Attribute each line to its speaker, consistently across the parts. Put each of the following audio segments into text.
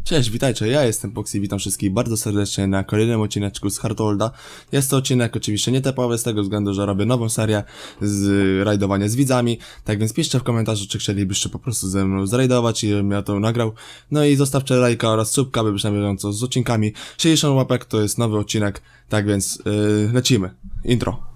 Speaker 1: Cześć, witajcie, ja jestem Poxy, witam wszystkich bardzo serdecznie na kolejnym odcineczku z Hardholda. Jest to odcinek oczywiście nietypowy z tego względu, że robię nową serię z rajdowania z widzami. Tak więc piszcie w komentarzu, czy chcielibyście po prostu ze mną zrajdować i żebym ja to nagrał. No i zostawcie lajka oraz subka, by być na bieżąco z odcinkami. 60 łapek to jest nowy odcinek, tak więc lecimy. Intro.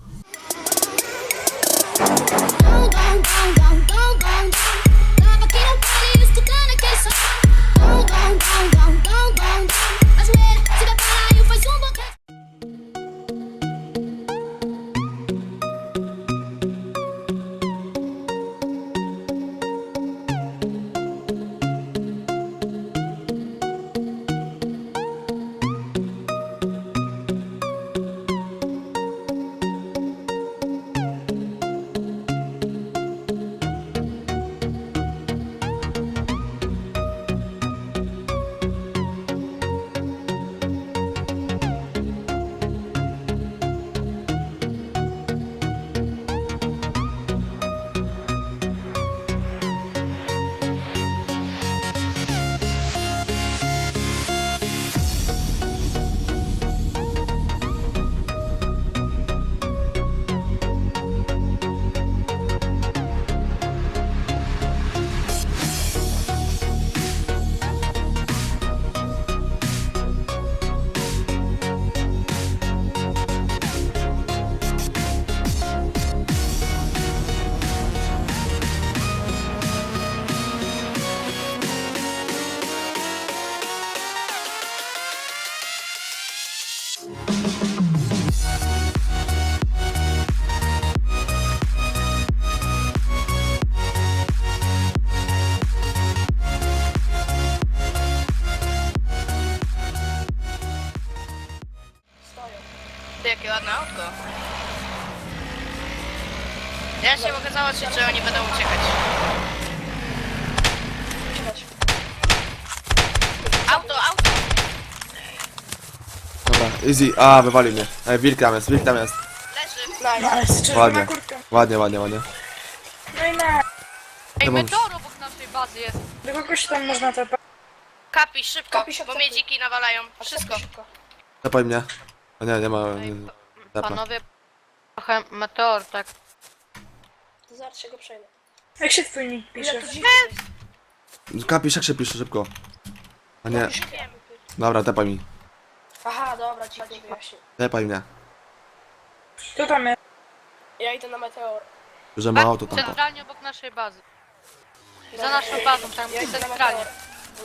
Speaker 2: Jakie ładne autko. Ja się mogę zobaczyć, że oni będą uciekać. Auto!
Speaker 1: Dobra, easy, a wywalił mnie. Wilk tam jest.
Speaker 2: Leży.
Speaker 3: Nice,
Speaker 1: Ładnie,
Speaker 3: kurka.
Speaker 1: ładnie.
Speaker 3: No i na...
Speaker 2: Ej,
Speaker 1: mam-
Speaker 2: meteor obok naszej bazy jest.
Speaker 3: Do kogoś tam można tepać.
Speaker 2: Kapi, szybko,
Speaker 3: Kapi się
Speaker 2: bo
Speaker 3: wczepi.
Speaker 2: mnie dziki nawalają. Wszystko.
Speaker 1: Zapaj mnie. A nie ma... Tepnę.
Speaker 2: Panowie, trochę meteor, tak.
Speaker 4: Zaraz się go przejmę.
Speaker 3: Jak się twój nick pisze?
Speaker 1: Kapisz, jak się pisze szybko. A nie, dobra, tepaj mi.
Speaker 4: Aha, dobra, ci wyjaśnię.
Speaker 1: Tepaj mnie.
Speaker 3: Kto tam jest?
Speaker 4: Ja idę na meteor.
Speaker 1: Że ma auto tam.
Speaker 2: Centralnie obok naszej bazy. Za naszą bazą, tam
Speaker 4: Ja idę na
Speaker 2: centralnie.
Speaker 4: meteor.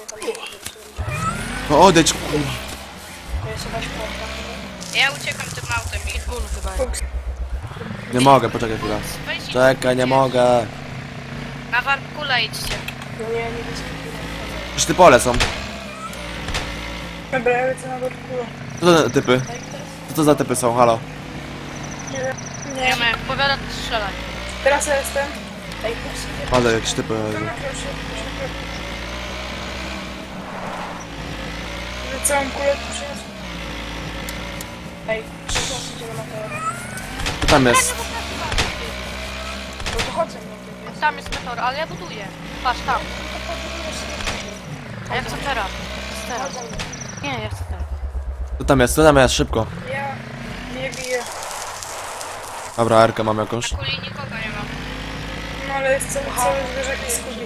Speaker 1: No odejdź, kurwa.
Speaker 4: To jest jakaś pompa.
Speaker 2: Ja uciekam tym autem i gun chyba jest.
Speaker 1: Nie mogę, poczekaj chwilę.
Speaker 2: Weź i
Speaker 1: Czekaj, nie mogę.
Speaker 2: na warpkule idźcie.
Speaker 4: No nie, nie widzę.
Speaker 1: Przecież ty pole są.
Speaker 3: Dobra, ja lecę na dole.
Speaker 1: Co to za typy? Co to za typy są, halo?
Speaker 3: Nie,
Speaker 2: Wiemy, powiada strzelać.
Speaker 3: teraz ja jestem.
Speaker 4: Ej, Pussy,
Speaker 1: Ale jakieś typy.
Speaker 3: To na proszę. Że całą kulę tu przyniosę.
Speaker 4: ej, szybko idzie na meteor.
Speaker 1: Co tam jest?
Speaker 4: No to chodzę mnie, więc...
Speaker 2: Tam jest meteor, ale ja buduję. Patrz tam. A ja chcę teraz. Teraz.
Speaker 4: Chodzę mnie.
Speaker 2: Nie, ja chcę teraz.
Speaker 1: Co tam jest? Co tam jest? Szybko.
Speaker 3: Ja nie biję.
Speaker 1: Dobra, Erkę mam jakąś.
Speaker 2: Na kuli nikogo nie ma.
Speaker 3: No ale jest cały zwierzak i skubi.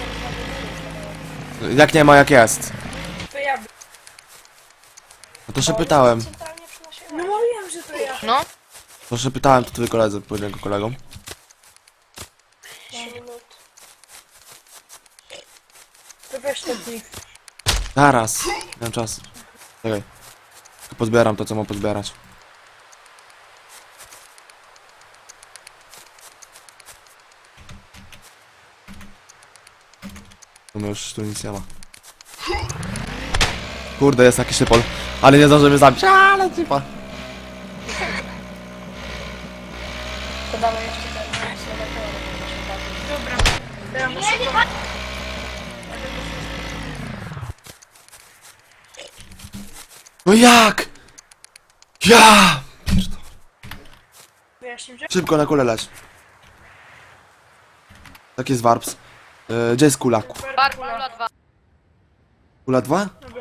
Speaker 1: Jak nie ma, jak jest.
Speaker 3: To ja.
Speaker 1: No to się pytałem.
Speaker 4: Centralnie przy naszej
Speaker 3: No mówiłem, że to ja.
Speaker 2: No,
Speaker 1: To się pytałem, to twoi koledzy, powiedziałem kolegom.
Speaker 4: 3 minut.
Speaker 3: To weź tepnij.
Speaker 1: Zaraz. Nie mam czasu. Czekaj. Tylko pozbieram to, co mam pozbierać. No już tu nic nie ma. Kurde, jest jakiś typol. Ale nie zdążymy zabić. Ale typa.
Speaker 4: To damy jeszcze ten na meteor.
Speaker 3: Dobra. To ja muszę...
Speaker 1: No jak? Ja!
Speaker 3: Wyjaśnił, że...
Speaker 1: Szybko na kulę leć. Tak jest warps. Gdzie jest kula?
Speaker 2: Barbula 2.
Speaker 1: Kula 2?
Speaker 3: Dobra.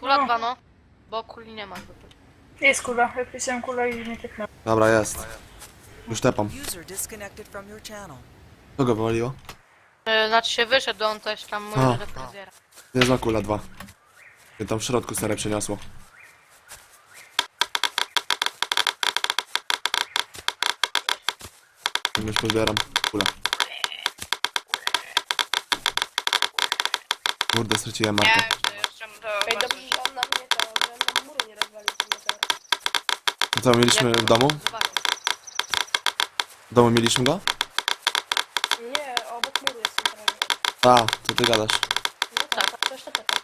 Speaker 2: Kula 2, no. Bo kuli nie ma.
Speaker 3: Jest kula, ja pisałem kula i mnie tyknął.
Speaker 1: Dobra, jest. Już tepam.
Speaker 5: User disconnected from your channel.
Speaker 1: Co go wywaliło?
Speaker 2: Znaczy się wyszedł, on też tam
Speaker 1: A.
Speaker 2: mówi, że fryzjera.
Speaker 1: Jest na kula 2. Mnie tam w środku stare przeniosło. Już pozbieram kulę. Kurde, straciłem markę.
Speaker 2: Nie, już dojeżdżam do
Speaker 4: Ej,
Speaker 2: bazy.
Speaker 4: dobrze, że on na mnie to, że on nam muru nie rozwalił ten motor.
Speaker 1: Co, mieliśmy w domu?
Speaker 2: Zobaczę.
Speaker 1: W domu mieliśmy go?
Speaker 4: Nie, obok muru jest centralnie.
Speaker 1: A, co ty gadasz?
Speaker 4: No tak, to jeszcze tak.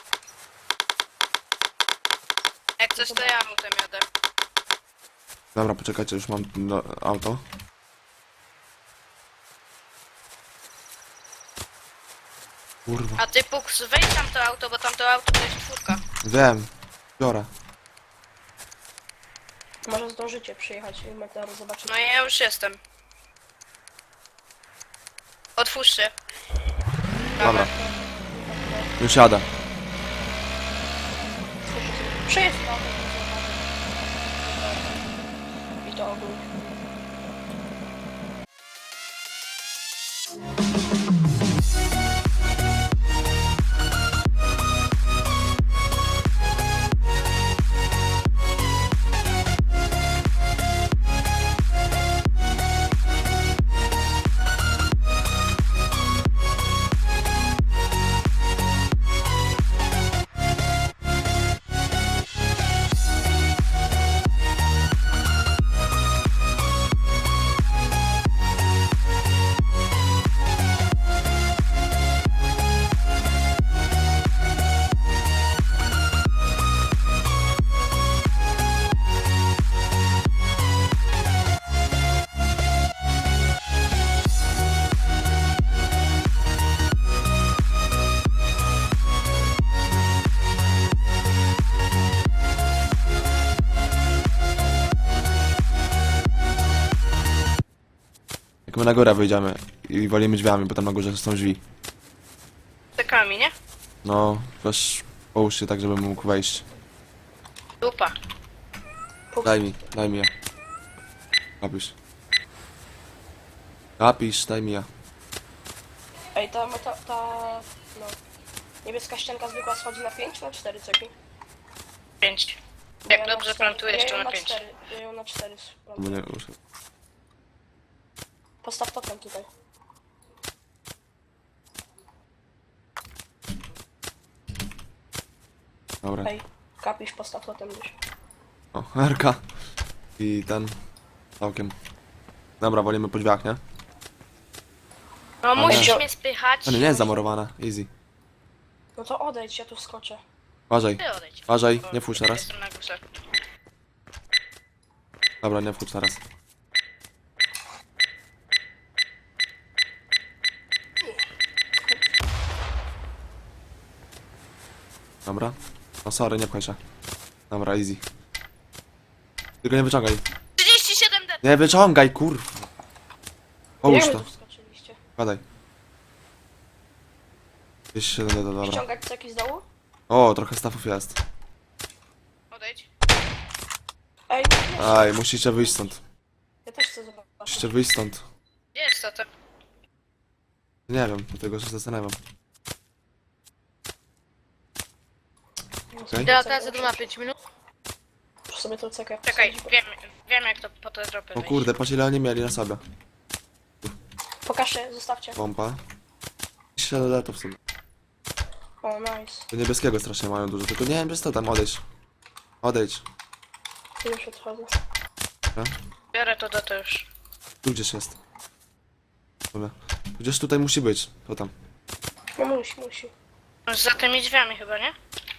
Speaker 2: Jak coś to ja autem jadę.
Speaker 1: Dobra, poczekajcie, już mam auto. Kurwa.
Speaker 2: A ty Puks, wejdź tam to auto, bo tam to auto to jest 4.
Speaker 1: Wiem. Biorę.
Speaker 4: Może zdążycie przyjechać i meteor zobaczyć.
Speaker 2: No ja już jestem. Otwórzcie.
Speaker 1: Dobra. Już jadę.
Speaker 4: Przyjedź tam. I to ogólnie.
Speaker 1: Jak my na górę wyjdziemy i walimy drzwiami, bo tam na górze są drzwi.
Speaker 2: Czekami, nie?
Speaker 1: No, weź połóż się tak, żebym mógł wejść.
Speaker 2: Dupa.
Speaker 1: Daj mi je. Napisz. Napisz, daj mi je.
Speaker 4: Ej, ta, no. Niebieska ścianka zwykła schodzi na 5 na 4 ceki?
Speaker 2: 5.
Speaker 4: Bo
Speaker 2: Jak
Speaker 4: ja na
Speaker 2: dobrze
Speaker 4: 4,
Speaker 2: plantujesz,
Speaker 4: ja
Speaker 2: to
Speaker 4: ją
Speaker 2: na 5.
Speaker 4: 4, ja ją na 4
Speaker 1: Bo
Speaker 4: splantuję.
Speaker 1: nie, muszę.
Speaker 4: Postaw totem tutaj.
Speaker 1: Dobra.
Speaker 4: Ej, kapisz, postaw totem gdzieś.
Speaker 1: O, Erka. I ten. Całkiem. Dobra, walimy po drzwiach, nie?
Speaker 2: No musisz
Speaker 1: nie.
Speaker 2: mnie spychać.
Speaker 1: A nie jest zamurowana. Easy.
Speaker 4: No to odejdź, ja tu skoczę.
Speaker 1: Uważaj.
Speaker 2: Ty odejdź.
Speaker 1: Uważaj,
Speaker 2: Bo
Speaker 1: nie wchodź teraz.
Speaker 2: Jestem na górze.
Speaker 1: Dobra, nie wchodź teraz. Dobra. No sorry, nie pchaj się. Dobra, easy. Tylko nie wyciągaj.
Speaker 2: 37 d.
Speaker 1: Nie wyciągaj, kurwa. Połóż
Speaker 4: Jak
Speaker 1: to.
Speaker 4: wy tu skoczyliście?
Speaker 1: Padaj. Gdzieś się do dobra.
Speaker 4: Ściągać ceki z dołu?
Speaker 1: O, trochę stafów jest.
Speaker 2: Odejdź.
Speaker 4: Ej, nie,
Speaker 1: Aj, musicie wyjść stąd.
Speaker 4: ja też chcę zobaczyć.
Speaker 1: Musicie wyjść stąd.
Speaker 2: Gdzie jest to?
Speaker 1: Nie wiem, dlatego się zastanawiam. Okej.
Speaker 2: Ja teraz jedę na 5 minut.
Speaker 4: Muszę sobie tą cekę
Speaker 2: Czekaj,
Speaker 4: posadzić, bo-
Speaker 2: wiem jak to po te dropy
Speaker 1: O
Speaker 2: wejść.
Speaker 1: kurde, patrz ile oni mieli na sobie.
Speaker 4: Pokażcie, zostawcie.
Speaker 1: Pompa. 7 w sumie.
Speaker 4: O, nice.
Speaker 1: To niebieskiego strasznie mają dużo, tylko nie wiem, że to tam odejdź. Odejdź.
Speaker 4: Już odchodzę.
Speaker 2: Biorę to do to już.
Speaker 1: Tu gdzieś jest. Dobra. Gdzieś tutaj musi być. To tam.
Speaker 4: No musi.
Speaker 2: Za tymi drzwiami chyba, nie?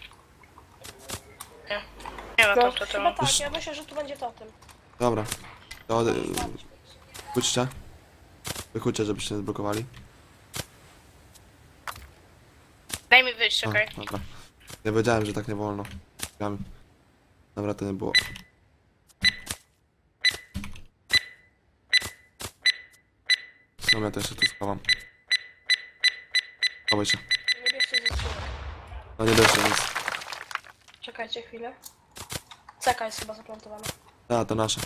Speaker 2: Nie. Nie ma
Speaker 4: No,
Speaker 2: tam
Speaker 4: chyba
Speaker 2: totem.
Speaker 4: tak, ja myślę, że tu będzie totem.
Speaker 1: Dobra. To Chodźcie. Wychodźcie, żebyście nie zblokowali.
Speaker 2: Daj mi wyjść,
Speaker 1: O,
Speaker 2: czekaj.
Speaker 1: dobra. Nie wiedziałem, że tak nie wolno. Drzwiami. Dobra, to nie było. W sumie to jeszcze tu schowam. Chowaj się.
Speaker 4: Nie bierzcie ze skrzynek.
Speaker 1: No nie bierzcie nic.
Speaker 4: Czekajcie chwilę. Ceka jest chyba zaplantowana.
Speaker 1: A, to nasze.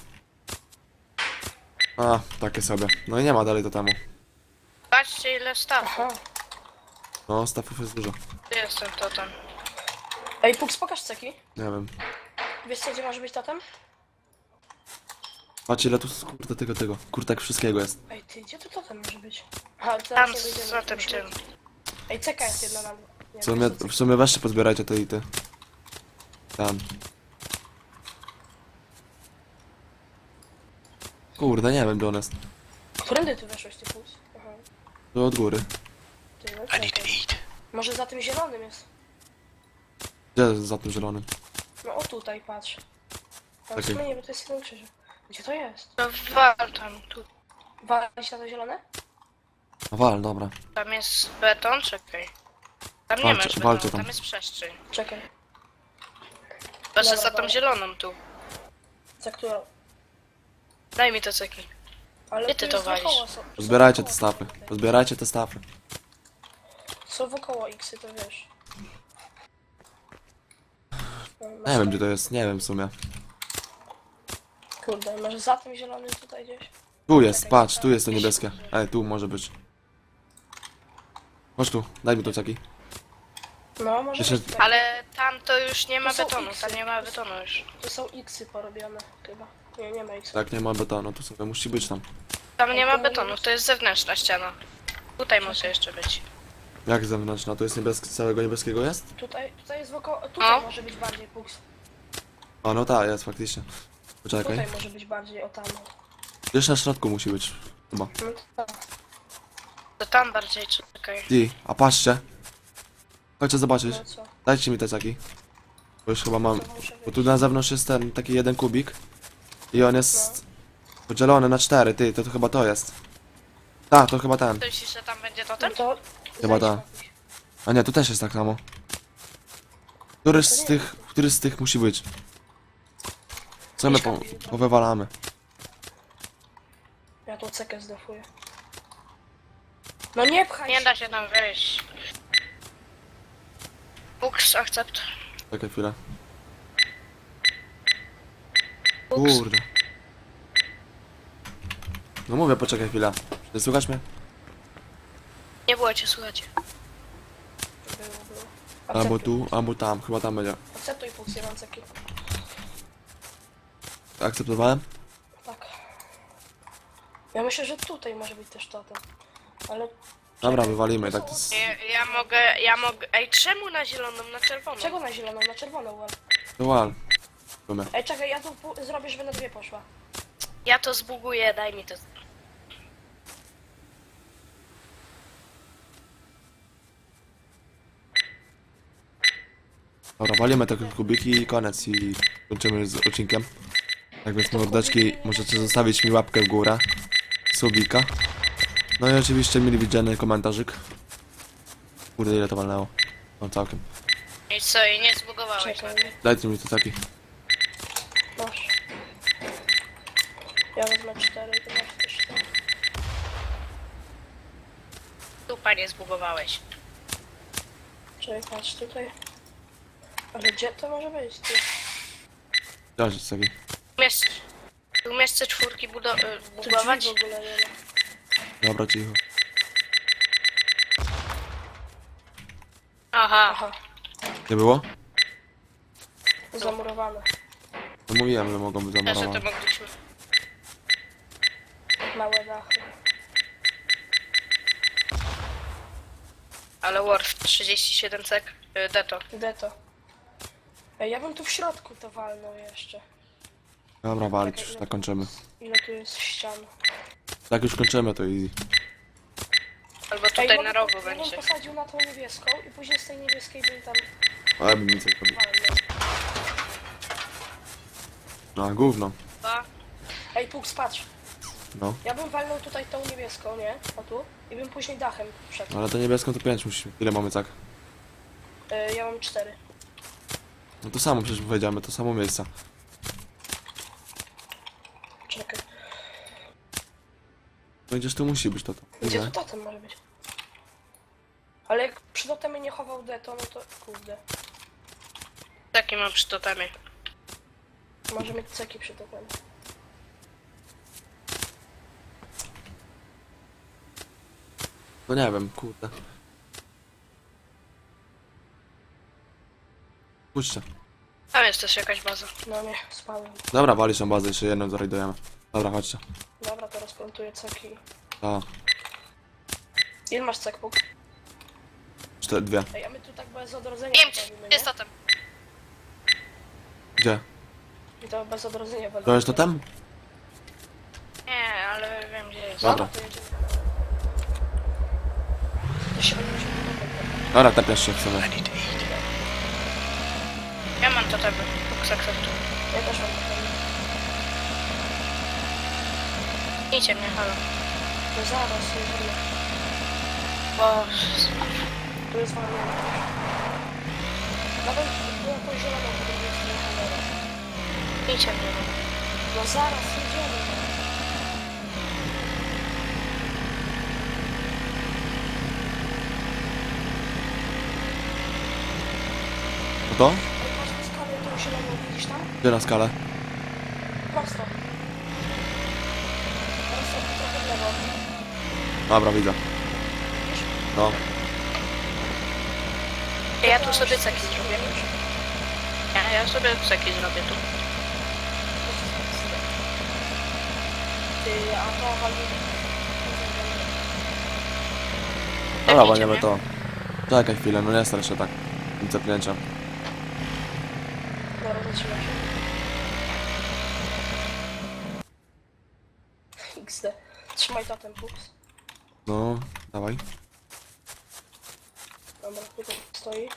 Speaker 1: A, takie sobie. No i nie ma dalej to temu.
Speaker 2: Patrzcie ile stawu.
Speaker 4: Aha.
Speaker 1: No, stafów jest dużo.
Speaker 2: Gdzie jest ten totem?
Speaker 4: Ej, Pux, pokaż ceki.
Speaker 1: Nie wiem.
Speaker 4: Wiesz co, gdzie może być totem?
Speaker 1: Patrz ile tu, kurde, tego. Kurtek wszystkiego jest.
Speaker 4: Ej, ty, gdzie to totem może być? Aha, teraz
Speaker 2: Tam
Speaker 4: nie wyjdziemy.
Speaker 2: za tym
Speaker 4: Musimy-
Speaker 2: tym.
Speaker 4: Ej, ceka jest jedna na... Nie
Speaker 1: W sumie,
Speaker 4: wiem, co
Speaker 1: w sumie weźcie pozbierajcie te i te. Tam. Kurde, nie wiem gdzie on jest.
Speaker 4: Którędy ty weszłeś, ty Pux? Aha.
Speaker 1: To od góry.
Speaker 4: Ty, no, czekaj. Może za tym zielonym jest?
Speaker 1: Gdzie jest za tym zielonym?
Speaker 4: No o tutaj, patrz. Ale w
Speaker 1: Okej.
Speaker 4: sumie nie, bo to jest jeden krzyż. Gdzie to jest?
Speaker 2: No wal tam, tu.
Speaker 4: Walić na to zielone?
Speaker 1: A wal, dobra.
Speaker 2: Tam jest beton, czekaj. Tam nie
Speaker 1: Walcie-
Speaker 2: masz
Speaker 1: walcie
Speaker 2: betonu,
Speaker 1: tam.
Speaker 2: tam jest przestrzeń.
Speaker 4: Czekaj.
Speaker 2: Patrzę
Speaker 4: Dobra,
Speaker 2: za tą
Speaker 4: dobra.
Speaker 2: zieloną tu.
Speaker 4: Za którą?
Speaker 2: Daj mi te ceki.
Speaker 4: Ale
Speaker 2: Gdzie
Speaker 4: tu
Speaker 2: ty
Speaker 4: jest
Speaker 2: to walisz?
Speaker 4: wokoło, są
Speaker 1: Pozbierajcie te
Speaker 4: wokoło.
Speaker 1: stafy. Pozbierajcie te stafy.
Speaker 4: Są wokoło X-y, to wiesz. No,
Speaker 1: Nie wiem gdzie to jest, nie wiem w sumie.
Speaker 4: Kurde, może za tym zielonym tutaj gdzieś?
Speaker 1: Tu jest, patrz, tu jest to niebieskie. Ej, tu może być. Chodź tu, daj mi tu ceki.
Speaker 4: No, może
Speaker 1: Jeszcze-
Speaker 4: być tutaj.
Speaker 2: Ale tam to już nie ma
Speaker 4: To są
Speaker 2: betonu,
Speaker 4: X-y.
Speaker 2: tam nie ma betonu już.
Speaker 4: Tu są X-y porobione chyba. Nie, nie ma X.
Speaker 1: Tak, nie ma betonu, tu sobie musi być tam.
Speaker 2: Tam nie ma
Speaker 4: to
Speaker 2: betonu,
Speaker 4: jest-
Speaker 2: to jest zewnętrzna ściana. Tutaj może jeszcze być.
Speaker 1: Jak zewnętrzna, tu jest niebieski, całego niebieskiego jest?
Speaker 4: Tutaj jest wokoło... Tutaj
Speaker 2: No.
Speaker 4: może być bardziej Pux.
Speaker 1: A no tak, jest faktycznie. Poczekaj.
Speaker 4: Tutaj może być bardziej o tam.
Speaker 1: Gdzieś na środku musi być. Chyba.
Speaker 4: No to tam.
Speaker 2: To tam bardziej, czekaj.
Speaker 1: Ty, a patrzcie. Chodźcie zobaczyć.
Speaker 4: No co?
Speaker 1: Dajcie mi te ceki. Bo już chyba mam.
Speaker 4: To muszę
Speaker 1: Bo
Speaker 4: wyjść.
Speaker 1: tu na zewnątrz jest ten taki jeden kubik. I on jest podzielony na 4, ty, to chyba to jest. Tak, to chyba ten.
Speaker 2: To myślisz, że tam będzie
Speaker 4: No
Speaker 2: totem?
Speaker 4: to...
Speaker 1: Chyba
Speaker 4: zejdź
Speaker 1: tak.
Speaker 4: na górę.
Speaker 1: A nie, tu też jest tak samo. Który z tych musi być? Co my powywalamy?
Speaker 4: Ja tą cekę zdefuję. No nie pchaj
Speaker 2: Nie
Speaker 4: się.
Speaker 2: da się tam wejść. Books, akcept.
Speaker 1: Czekaj chwilę.
Speaker 2: Books.
Speaker 1: Kurde. No mówię, poczekaj chwilę. Czy słuchasz mnie?
Speaker 2: Nie było cię, słuchajcie.
Speaker 4: Było.
Speaker 1: Albo tu, albo tam. Chyba tam będzie.
Speaker 4: Akceptuj Pux, ja mam ceki.
Speaker 1: Akceptowałem?
Speaker 4: Tak. Ja myślę, że tutaj może być też totem. Ale...
Speaker 1: Dobra,
Speaker 4: Czekaj,
Speaker 1: wywalimy,
Speaker 4: to
Speaker 1: tak to
Speaker 4: są-
Speaker 1: jest.
Speaker 2: Ja mogę... Ej, czemu na zieloną, na czerwoną?
Speaker 4: Czego na zieloną? Na czerwoną łam.
Speaker 1: To wal. W sumie.
Speaker 4: Ej, czekaj, ja tu zrobię, żeby na dwie poszła.
Speaker 2: Ja to zbuguję, daj mi to.
Speaker 1: Dobra, walimy te kubiki i koniec i kończymy z odcinkiem. Tak więc mordeczki, możecie zostawić mi łapkę w górę, subika. No i oczywiście mili widziany komentarzyk. Kurde, ile to walnęło? No całkiem.
Speaker 2: I co, i nie zbugowałeś.
Speaker 4: Czekaj,
Speaker 1: Dajcie mi to taki.
Speaker 4: masz. Ja wezmę 4, ty masz też 4.
Speaker 2: Tu panie zbugowałeś.
Speaker 4: Czekaj, patrz tutaj. Ale gdzie to może być? Ty?
Speaker 1: Dajcie taki.
Speaker 2: Umiesz C4
Speaker 4: Tu
Speaker 2: bugować?
Speaker 4: drzwi w ogóle nie ma.
Speaker 1: Dobra, cicho.
Speaker 2: Aha.
Speaker 4: Aha,
Speaker 1: Nie było?
Speaker 4: zamurowane.
Speaker 1: No mówiłem, że mogą być
Speaker 2: Też o to
Speaker 1: zamurowane.
Speaker 2: mogliśmy.
Speaker 4: Małe dachy.
Speaker 2: Ale Worf 37 sek. Deto.
Speaker 4: Deto. Ej, ja bym tu w środku to walnął jeszcze.
Speaker 1: Dobra, walić, już tak kończymy.
Speaker 4: Ile tu jest ścian?
Speaker 1: Tak już kończymy to easy.
Speaker 2: Albo tutaj na
Speaker 4: mogę-
Speaker 2: rogu
Speaker 4: ja bym
Speaker 2: będzie.
Speaker 4: posadził na tą niebieską i później z tej niebieskiej bym tam
Speaker 1: Ale bym nic nie robił.
Speaker 4: walnął.
Speaker 1: No, gówno.
Speaker 2: Dwa.
Speaker 4: Ej, Pux, patrz.
Speaker 1: No.
Speaker 4: Ja bym walnął tutaj tą niebieską, nie? O tu. I bym później dachem wszedł.
Speaker 1: Ale to niebieską to 5 musimy. Ile mamy tak?
Speaker 4: Ja mam 4.
Speaker 1: No to samo przecież powiedziałem, to samo miejsca.
Speaker 4: Czekaj.
Speaker 1: No gdzieś tu musi być to.
Speaker 4: Gdzie
Speaker 1: Nie?
Speaker 4: tu totem może być? Ale jak przy totemie nie chował deto, no to kurde.
Speaker 2: Taki mam przy totemie.
Speaker 4: Może mieć ceki przy tym.
Speaker 1: No nie wiem, kurde. Puśćcie.
Speaker 2: Tam jest też jakaś baza.
Speaker 4: No nie, spadłem.
Speaker 1: Dobra, walisz tą bazę, jeszcze jedną zarajdujemy. Dobra, chodźcie.
Speaker 4: Dobra, teraz plantuję ceki.
Speaker 1: A,
Speaker 4: Ile masz cek, Puk?
Speaker 1: 2.
Speaker 4: Ej, a my tu tak bez odrodzenia
Speaker 2: Wiem,
Speaker 4: walimy,
Speaker 2: jest
Speaker 4: nie?
Speaker 2: totem.
Speaker 1: Gdzie?
Speaker 4: I to bez odrodzenia walimy.
Speaker 1: To jest totem?
Speaker 2: Nie, ale wiem gdzie jest.
Speaker 1: Dobra.
Speaker 4: To jedziemy. To się będzie musiał potem.
Speaker 1: Dobra, tepiasz się w sobie.
Speaker 2: Ja mam totemy. Box akceptu.
Speaker 4: Ja też mam potem.
Speaker 2: Idźcie mnie, halo.
Speaker 4: No zaraz, jedziemy.
Speaker 2: Bo...
Speaker 4: Tu jest wolny. Nawet była tą zieloną po drugiej stronie kamery.
Speaker 2: Idźcie mnie.
Speaker 4: No zaraz, jedziemy.
Speaker 1: No to?
Speaker 4: Ej, masz na skalę tą zieloną, widzisz tam?
Speaker 1: Gdzie na skalę?
Speaker 4: Prosto. Prosto, trochę w lewo.
Speaker 1: Dobra, widzę. No.
Speaker 2: Ja tu sobie ceki zrobię. Ja sobie ceki zrobię tu.
Speaker 4: Ty, a to walimy.
Speaker 1: Dobra,
Speaker 2: Tepnijcie
Speaker 1: walniemy
Speaker 2: mnie.
Speaker 1: to. Czekaj chwilę, no nie stara się tak. Nic zapnięcia.
Speaker 4: Dobra, zatrzymaj się. XD. Trzymaj totem, Puks.
Speaker 1: No, dawaj.
Speaker 4: Dobra, tutaj stoi.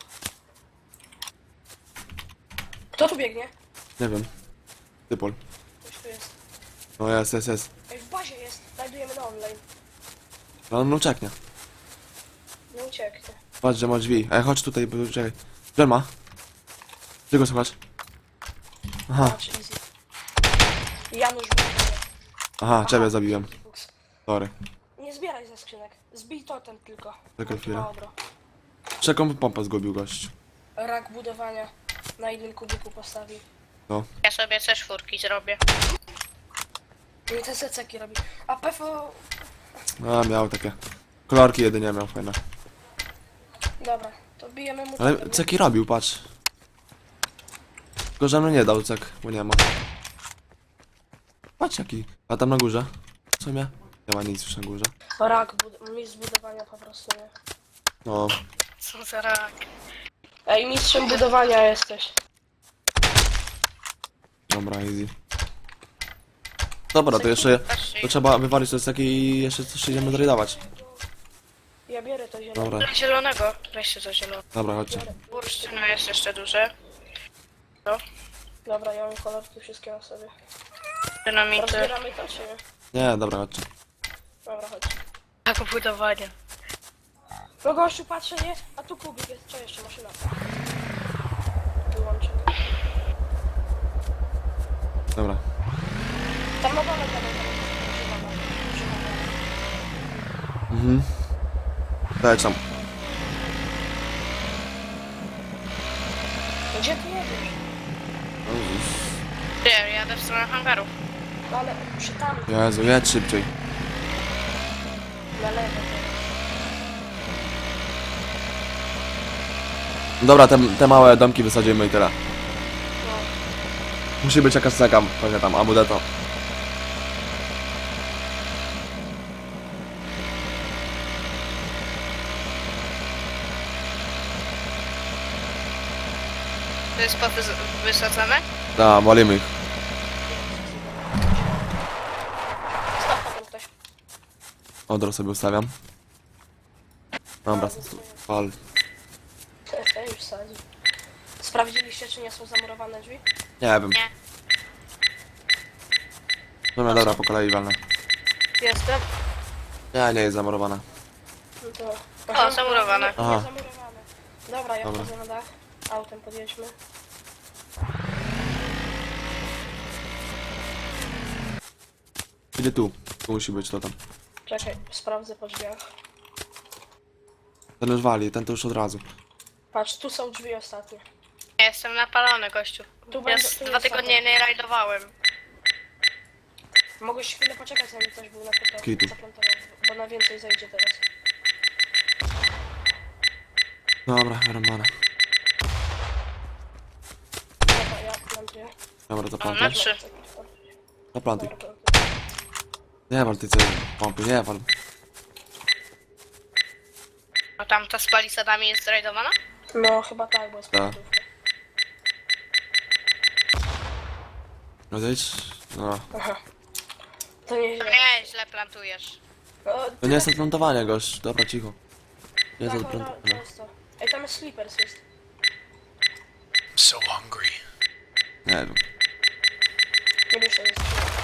Speaker 4: Kto tu biegnie?
Speaker 1: Nie wiem. Typol.
Speaker 4: Ktoś tu jest.
Speaker 1: No jest.
Speaker 4: Ej, w bazie jest. Znajdujemy na online.
Speaker 1: No, no ucieknie.
Speaker 4: Nie ucieknie.
Speaker 1: Patrz, że ma drzwi. Ej, chodź tutaj, bo czekaj. Gdzie on ma? Gdzie go słuchasz? Aha,
Speaker 4: Patrz, easy. Janusz biegnie.
Speaker 1: aha, ciebie zabiłem.
Speaker 4: Puks.
Speaker 1: Sorry.
Speaker 4: Nie zbieraj ze skrzynek. Zbij totem tylko.
Speaker 1: Czekaj chwilę.
Speaker 4: Dobro.
Speaker 1: Czeką pompę zgubił gość.
Speaker 4: Rak budowania na jednym kubiku postawił.
Speaker 1: No.
Speaker 2: Ja sobie też czwórki zrobię.
Speaker 4: I te seceki robi. A PFO...
Speaker 1: A, miał takie. Kolorki jedynie miał fajne.
Speaker 4: Dobra, to bijemy mu
Speaker 1: Ale
Speaker 4: totem, nie?
Speaker 1: ceki robił, patrz. Tylko, że mnie nie dał cek, bo nie ma. Patrz jaki. A tam na górze? W sumie? Nie ma nic już na górze.
Speaker 4: Rak, mistrz budowania po prostu, nie?
Speaker 1: No.
Speaker 2: Co za rak.
Speaker 4: Ej, mistrzem budowania jesteś.
Speaker 1: Dobra, easy. Dobra, to jeszcze... To trzeba wywalić te ceki i jeszcze coś idziemy zrejdować.
Speaker 4: Ja bierę to zielone.
Speaker 1: Dobra,
Speaker 2: Zielonego. Weźcie to zielone.
Speaker 1: dobra, chodźcie.
Speaker 2: Bursztynu jest jeszcze duże.
Speaker 4: Dobra, ja mam kolorki wszystkie na sobie.
Speaker 2: Dynamity.
Speaker 4: Rozbieramy to, czy nie?
Speaker 1: Nie, dobra, chodźcie.
Speaker 4: Dobra, chodź.
Speaker 2: Tak, budowanie.
Speaker 4: No gościu, patrzę, nie? A tu kubik jest. Co jeszcze? Maszyna. Wyłączę.
Speaker 1: Dobra.
Speaker 4: Tam na dole, tam.
Speaker 1: Mhm. Daj tam.
Speaker 4: Gdzie ty jedziesz?
Speaker 2: Nie, jadę w stronę hangaru.
Speaker 4: No ale przy tam,
Speaker 1: Jezu, jedź szybciej.
Speaker 4: na lewo.
Speaker 1: Dobra, te małe domki wysadzimy i tyle.
Speaker 4: No.
Speaker 1: Musi być jakaś ceka, pewnie tam, amuleto.
Speaker 2: To jest wysadzane?
Speaker 1: Da, walimy ich.
Speaker 4: Stop potem ktoś.
Speaker 1: Odro sobie ustawiam. Dobra, pal.
Speaker 4: Już sadzi. Sprawdziliście, czy nie są zamurowane drzwi?
Speaker 1: Nie wiem.
Speaker 2: Nie.
Speaker 1: No dobra, po kolei walne.
Speaker 4: Jestem.
Speaker 1: Nie jest zamurowana.
Speaker 4: No to...
Speaker 2: O, zamurowane.
Speaker 4: Nie,
Speaker 1: Aha.
Speaker 4: nie zamurowane. Dobra, ja
Speaker 1: Dobra.
Speaker 4: wchodzę na dach. Autem podjedźmy.
Speaker 1: Idzie tu. Tu musi być to tam.
Speaker 4: Czekaj, sprawdzę po drzwiach.
Speaker 1: Ten już wali, ten to już od razu.
Speaker 4: Patrz, tu są drzwi ostatnie.
Speaker 2: Ja jestem napalony, gościu.
Speaker 4: Tu
Speaker 2: Ja
Speaker 4: będzie-
Speaker 2: z
Speaker 4: tu
Speaker 2: 2
Speaker 4: jest
Speaker 2: tygodnie nie rajdowałem.
Speaker 4: Mogłeś chwilę poczekać, zanim ktoś był na pytał.
Speaker 1: Kitu.
Speaker 4: Zaplantował, bo na więcej zejdzie teraz.
Speaker 1: Dobra, rąbane.
Speaker 4: Dobra, ja plantuję.
Speaker 1: Dobra,
Speaker 2: na
Speaker 1: zaplantuj.
Speaker 2: 3.
Speaker 1: Zaplantuj.
Speaker 4: Dobra, plantuję.
Speaker 1: Nie wal ty co pompy, nie wal.
Speaker 2: A tam ta z palisadami jest zrajdowana?
Speaker 4: No, chyba tak, bo jest
Speaker 1: Tak.
Speaker 4: plantówka.
Speaker 1: Rozejdź? No.
Speaker 4: Aha. To nie źle.
Speaker 2: Nie, źle plantujesz.
Speaker 4: No,
Speaker 1: To nie jest odplantowanie, gość. Dobra, cicho. Nie jest
Speaker 4: tak, to
Speaker 1: odplantowanie.
Speaker 4: jest to. Ej, tam jest Sleepers jest.
Speaker 6: So hungry.
Speaker 1: Nie wiem.
Speaker 4: Nie wiem, czy jest.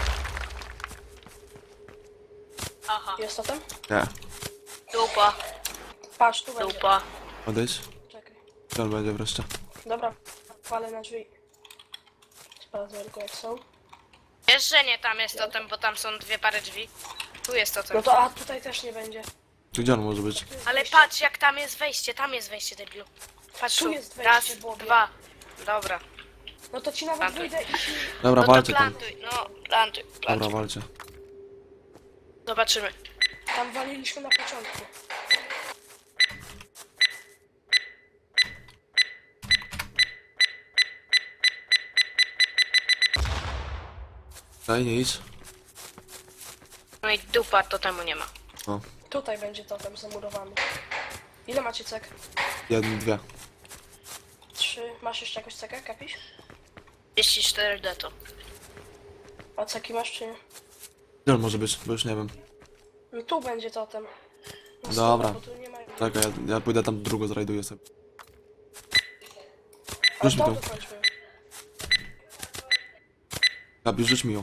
Speaker 2: Aha.
Speaker 4: Jest to tam?
Speaker 1: Nie.
Speaker 2: Dupa,
Speaker 4: Patrz, tu będzie.
Speaker 2: dupa.
Speaker 1: Odejdź.
Speaker 4: Czekaj.
Speaker 1: Gdzie on będzie wreszcie?
Speaker 4: Dobra, palę na drzwi. Sprawdzę tylko jak są.
Speaker 2: Wiesz, że nie tam jest totem, bo tam są 2 pary drzwi. Tu jest totem.
Speaker 4: No to, a tutaj też nie będzie.
Speaker 1: Tu gdzie on może być?
Speaker 2: Ale patrz, jak tam jest wejście, debilu. Patrz
Speaker 4: Tu
Speaker 2: tu.
Speaker 4: jest wejście,
Speaker 2: Raz,
Speaker 4: Bobie.
Speaker 2: 2. Dobra.
Speaker 4: No to ci nawet
Speaker 2: Plantuj.
Speaker 4: wyjdę i ci...
Speaker 1: Dobra,
Speaker 2: No to
Speaker 1: walcie tam.
Speaker 2: plantuj, no plantuj,
Speaker 1: Dobra,
Speaker 2: plantuj.
Speaker 1: walcie.
Speaker 2: Zobaczymy.
Speaker 4: Tam waliliśmy na początku.
Speaker 1: Daj, nie idź.
Speaker 2: No i dupa, totemu nie ma.
Speaker 1: No.
Speaker 4: Tutaj będzie totem zamurowany. Ile macie cek?
Speaker 1: Jeden, dwie.
Speaker 4: 3. Masz jeszcze jakąś cekę, kapisz?
Speaker 2: 34 deto.
Speaker 4: A ceki masz czy nie?
Speaker 1: Gdzie on może być? Bo już nie wiem.
Speaker 4: No tu będzie totem. No
Speaker 1: Dobra.
Speaker 4: Bo tu nie ma...
Speaker 1: Czekaj, ja pójdę tam drugą zrajduję sobie.
Speaker 4: Ale
Speaker 1: Rzuć mi
Speaker 4: to
Speaker 1: tą.
Speaker 4: dokończmy.
Speaker 1: Gabi, rzuć mi ją.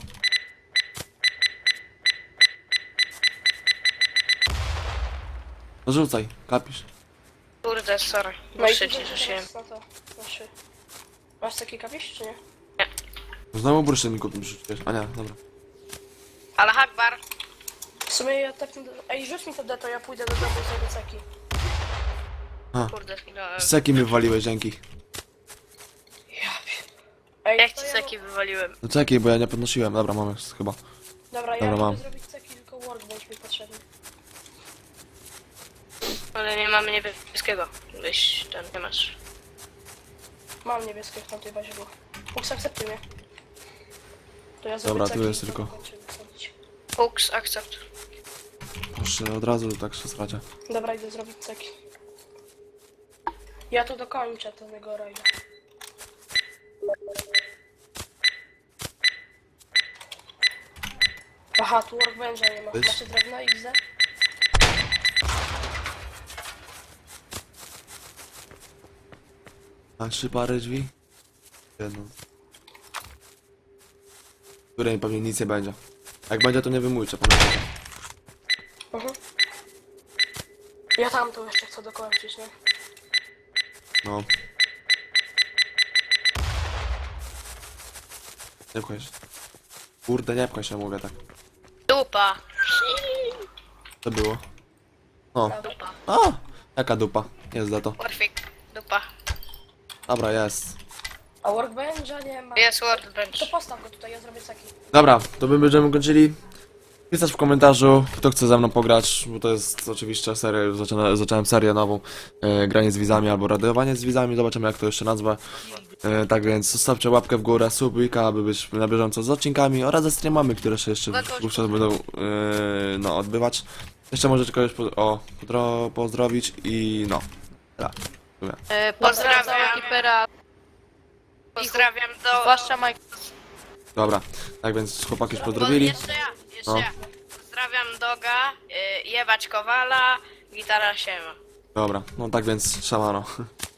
Speaker 1: No rzucaj, kapisz.
Speaker 2: Kurde, sorry.
Speaker 4: No i
Speaker 2: Muszę
Speaker 4: tu
Speaker 2: ci
Speaker 4: będzie
Speaker 2: rzuciłem.
Speaker 4: teraz na to. Na 3. Masz ceki, kapisz czy nie?
Speaker 1: Znowu bursztyn mi kupił, rzuciłeś. A nie, dobra.
Speaker 2: Ale Hakbar.
Speaker 4: W sumie ja tak... Ej, rzuć mi to deto, ja pójdę do domu i zajdę ceki.
Speaker 2: Kurde, no,
Speaker 1: Z ceki mi wywaliłeś, dzięki.
Speaker 4: Ja pier... Ej,
Speaker 2: jak
Speaker 4: to
Speaker 2: ci
Speaker 4: ja
Speaker 2: seki wywaliłem?
Speaker 1: No ceki, bo ja nie podnosiłem. Dobra, mamy chyba.
Speaker 4: Dobra, ja
Speaker 1: Dobra,
Speaker 4: mogę
Speaker 1: mam.
Speaker 4: zrobić ceki, tylko workbench mi potrzebny.
Speaker 2: Ale nie mamy niebieskiego. Weź ten, nie masz.
Speaker 4: Mam niebieskie w tamtej bazie było. Fuchs, akceptuj mnie. To ja
Speaker 1: Dobra,
Speaker 4: zrobię
Speaker 1: tu
Speaker 4: ceki
Speaker 1: jest
Speaker 4: i
Speaker 1: tylko.
Speaker 4: kończymy sadzić.
Speaker 2: Hooks, akcept.
Speaker 1: Już od razu tak się sracie.
Speaker 4: Dobra, idę zrobić ceki. Ja to dokończę tego rajda. Aha, tu workbencha nie ma.
Speaker 1: Wiesz?
Speaker 4: Macie drewno XD?
Speaker 1: A 3 pary drzwi? Jedną. W której pewnie nic nie będzie. Jak będzie, to nie wymójcie, pamiętajcie.
Speaker 4: Mhm. Ja tam to jeszcze chcę dokończyć, nie?
Speaker 1: No. Nie pchaj się. Kurde, nie pchaj się, mówię tak.
Speaker 2: Dupa.
Speaker 1: Co było? O.
Speaker 2: Dupa.
Speaker 1: A! Jaka dupa? Jest za to.
Speaker 2: Perfect. Dupa.
Speaker 1: Dobra, jest.
Speaker 4: A workbencha nie ma.
Speaker 2: Jest
Speaker 4: To
Speaker 2: workbench.
Speaker 4: postaw go tutaj, ja zrobię ceki.
Speaker 1: Dobra, to my będziemy kończyli. Pisać w komentarzu, kto chce ze mną pograć, bo to jest oczywiście seria, już zacząłem serię nową, granie z widzami albo radowanie z widzami, zobaczymy jak to jeszcze nazwę. Tak więc zostawcie łapkę w górę, subika, aby być na bieżąco z odcinkami oraz ze streamami, które się jeszcze wówczas będą no, odbywać. Jeszcze możecie kogoś pozdrowić i no. Tak.
Speaker 2: Pozdrawiam. Pozdrawiam do...
Speaker 7: Zwłaszcza Mike.
Speaker 1: Dobra, tak więc chłopaki już pozdrowili.
Speaker 2: Jeszcze
Speaker 1: No.
Speaker 2: ja. Pozdrawiam Doga, jebać Kowala, gitara siema.
Speaker 1: Dobra, no tak więc szamano.